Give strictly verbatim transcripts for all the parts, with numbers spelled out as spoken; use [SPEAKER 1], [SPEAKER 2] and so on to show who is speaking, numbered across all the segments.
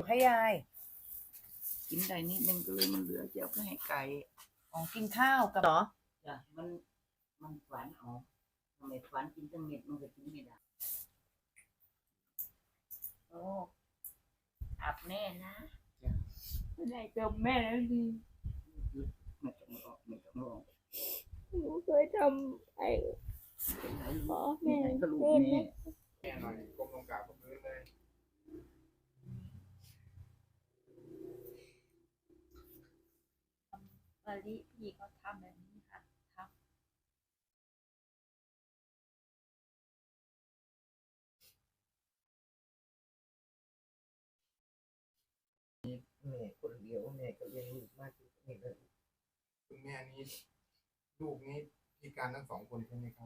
[SPEAKER 1] ให้ยาย
[SPEAKER 2] กินได้นิดนึงก็เลยมันเหลือเจ้าก็ให้ไก่
[SPEAKER 1] อ๋อกินข้าวกับเหรอ
[SPEAKER 2] จ้ะมันมันฝันออกทำไมฝันกินตั้งเม็ดมันก็กินไม่ได้โอ้อับแม่นะไม่ได้จบแม่แล้วดีไม่ต้องออกไม่ต้องออก
[SPEAKER 3] หนูเคยทำไอ้ขอแม่
[SPEAKER 2] ก็ลูกแม่
[SPEAKER 4] แม่หน่อยก้มลงกราบกับพื้นเลย
[SPEAKER 3] วันนี้พี่เขาทำแบบนี้ค่ะทำ
[SPEAKER 2] แม่คนเดียวแม่ก็เลี้ยงลูกมากที่สุดเลย
[SPEAKER 4] คุณแม่นี้ลูกนี้พิการทั้งสองคนใช่ไหมครับ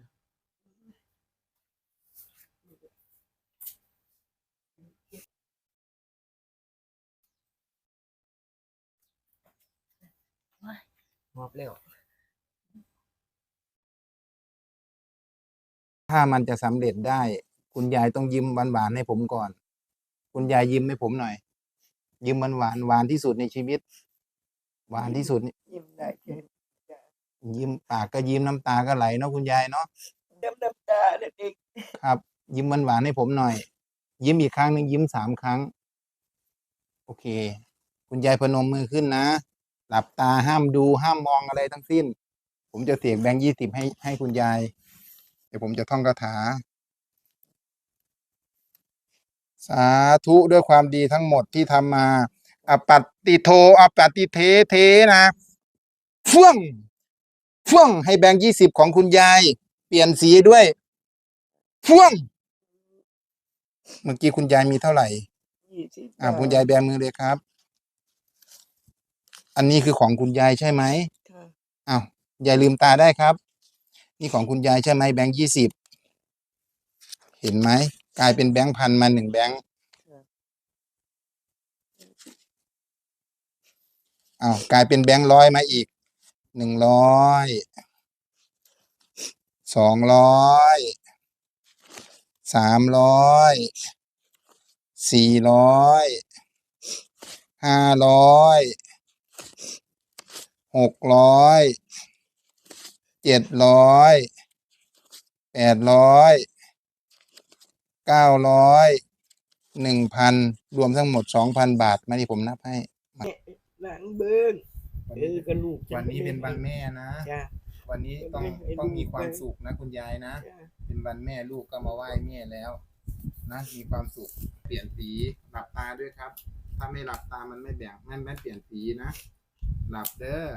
[SPEAKER 2] มอบแล้ว
[SPEAKER 5] ถ้ามันจะสำเร็จได้คุณยายต้องยิ้มหวานๆให้ผมก่อนคุณยายยิ้มให้ผมหน่อยยิ้มหวานหวานที่สุดในชีวิตหวานที่สุด
[SPEAKER 2] ยิ้มได้แค่
[SPEAKER 5] ยิ้มปากก็ยิ้มน้ำตาก็ไหลเนาะคุณยายเนาะ
[SPEAKER 2] น้ำน้ำตาเด็ก
[SPEAKER 5] ครับยิ้มหวานๆให้ผมหน่อยยิ้มอีกครั้งหนึ่งยิ้มสามครั้งโอเคคุณยายพนมมือขึ้นนะหลับตาห้ามดูห้ามมองอะไรทั้งสิ้นผมจะเสียงแบงค์ยี่สิบให้ให้คุณยายเดี๋ยวผมจะท่องคาถาสาธุด้วยความดีทั้งหมดที่ทำมาอปัตติโทอปัตติเทเทนะเฟื่องเฟื่องให้แบงค์ยี่สิบของคุณยายเปลี่ยนสีด้วยเฟื่องเมื่อกี้คุณยายมีเท่าไหร่อ่าคุณยายแบมือเลยครับอันนี้คือของคุณยายใช่ไหมอ้าวยายลืมตาได้ครับนี่ของคุณยายใช่ไหมแบงค์ยี่สิบเห็นไหมกลายเป็นแบงค์พันมาหนึ่งแบงค์อ้าวกลายเป็นแบงค์ร้อยมาอีกหนึ่งร้อยสองร้อยสามร้อยสี่ร้อยห้าร้อยหกร้อยเจ็ดร้อยแปดร้อยเก้าร้อยหนึ่งพันรวมทั้งหมดสองพันบาทมาที่ผมนับให้
[SPEAKER 2] หลังเบิ้งเออกระลูก
[SPEAKER 5] วันนี้เป็นวันแม่นะวันนี้ต้องต้องมีความสุขนะคุณยายนะเป็นวันแม่ลูกก็มาไหว้แม่แล้วนะมีความสุขเปลี่ยนสีหลับตาด้วยครับถ้าไม่หลับตามันไม่แบ่งไม่ไม่เปลี่ยนสีนะหลับเด้อ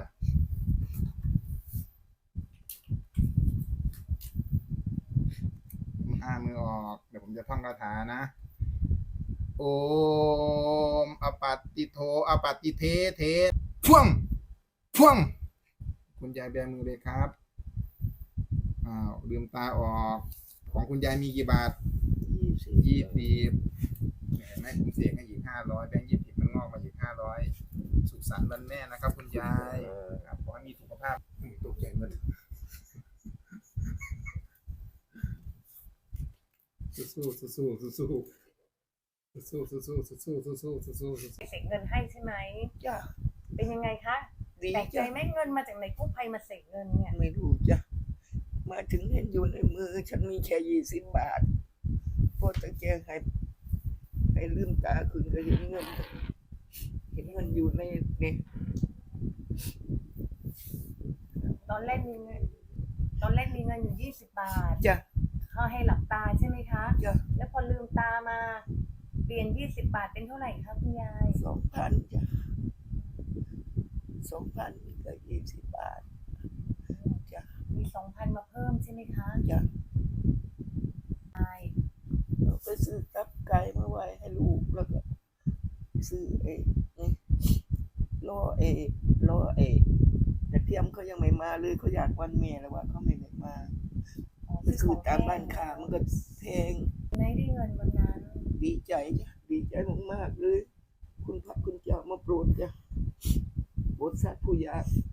[SPEAKER 5] ห้ามือออกเดี๋ยวผมจะท่องคาถานะโอมอปัตติโทอปัตติเทเทพ่วงพ่วงคุณยายแบมือเลยครับอ้าวลืมตาออกของคุณยายมีกี่บาทยี่สิบเห็นไหมผมเสียงให้อีกห้าร้อยแบงค์ยี่สิบมันงอกมาอีกห้าร้อยสุขสันต์วันแม่นะครับคุณยายครับขอให้มีสุขภาพตกใจหมดสู้สู้สู้สู้สู้สู้สู้สู้สู้สู้สู้สู้สู้สู้
[SPEAKER 1] เสกเงินให้ใช่ไหม
[SPEAKER 2] จ้ะ
[SPEAKER 1] เป็นยังไงคะ
[SPEAKER 2] ดี
[SPEAKER 1] แปลกใจไหมเงินมาจากไหนกู้ภัยมาเสกเงินเนี่ย
[SPEAKER 2] ไม่รู้จ้ะมาถึงเห็นอยู่ในมือฉันมีแค่ยี่สิบบาทพอตะแกงให้ให้ลืมตาคืนก็เห็นเงินเห็นเงินอยู่ในนี่
[SPEAKER 1] ตอนแรกมีเงินตอนแรกมีเงินอยู่ยี่สิบบาท
[SPEAKER 2] จ้ะ
[SPEAKER 1] เขาให้หลับตาใช่ไหมคะ
[SPEAKER 2] จ้ะ
[SPEAKER 1] แล้วพอลืมตามาเปลี่ยนยี่สิบบาทเป็นเท่าไหร่คะคุณยาย
[SPEAKER 2] สองพันจ้ะสองพันกับยี่สิบบาทจ้ะ
[SPEAKER 1] มีสองพันมาเพิ่มใช่ไหมคะ
[SPEAKER 2] จ้ะ
[SPEAKER 1] ใช่
[SPEAKER 2] เราไปซื้อตับไก่มาไว้ให้ลูกแล้วก็ซื้อเอรอเอรอเอแต่เทียมเขายังไม่มาเลยเขาอยากวันแม่แล้วว่าเขาไม่ได้มาไปซื้อตามบ้านค้ามันก็แพง
[SPEAKER 1] ไม่ได้เงินวันนั้น
[SPEAKER 2] ดีใจจ้ะดีใจมากๆเลยคุณพระคุณเจ้ามาโปรดจ้ะโปรดสัตว์ผู้ยาก